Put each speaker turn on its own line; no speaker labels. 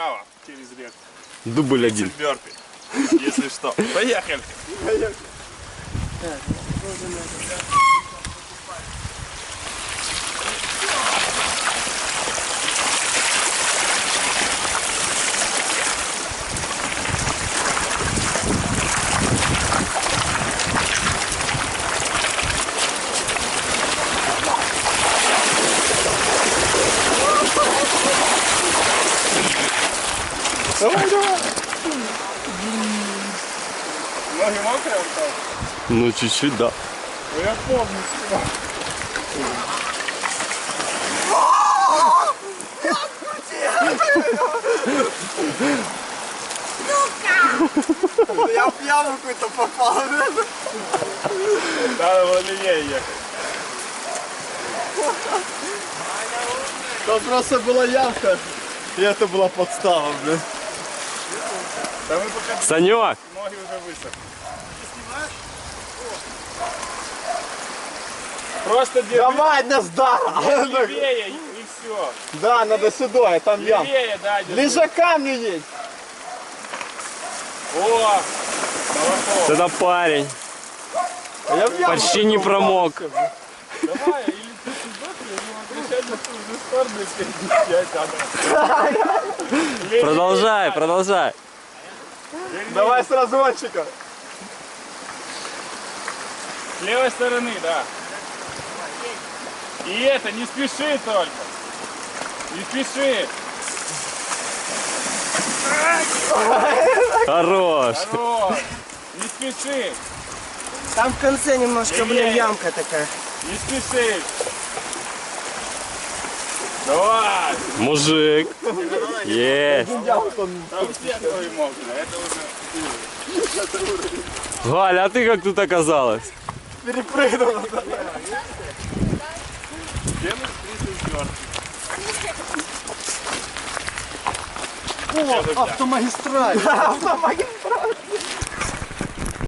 вправо через реку.
Дубль 1.
Бёрпи, если что. Поехали.
Поехали.
Давай, давай. Ноги мокрые остались?
Ну, чуть-чуть, да.
Ну, я помню всего.
Я в яму какую-то попал.
Надо было левее ехать.
Там просто была ямка. И это была подстава, блин.
Да мы пока
Санек!
ноги уже высохли. Просто держи
Давай, Наздар!
левее и все.
Да, надо сюда, там ям.
Левее, да, держи.
Ближе к камню едь.
О! Молоток.
Это парень.
А я в яму
Почти не промок.
Давай, или ты сюда, или возвращай на ту же сторону, если не сядь,
Продолжай, продолжай.
Давай с разгончика.
С левой стороны, да. И это, не спеши только. Не спеши.
Хорош.
Хорош. Не спеши.
Там в конце немножко, блин, ямка такая.
Не спеши. Давай.
Мужик. Есть.
Там все ноги мокрые. Это уже...
Галя, а ты как тут оказалась?
Перепрыгнул.
Делай 34.
О, автомагистраль. Автомагистраль.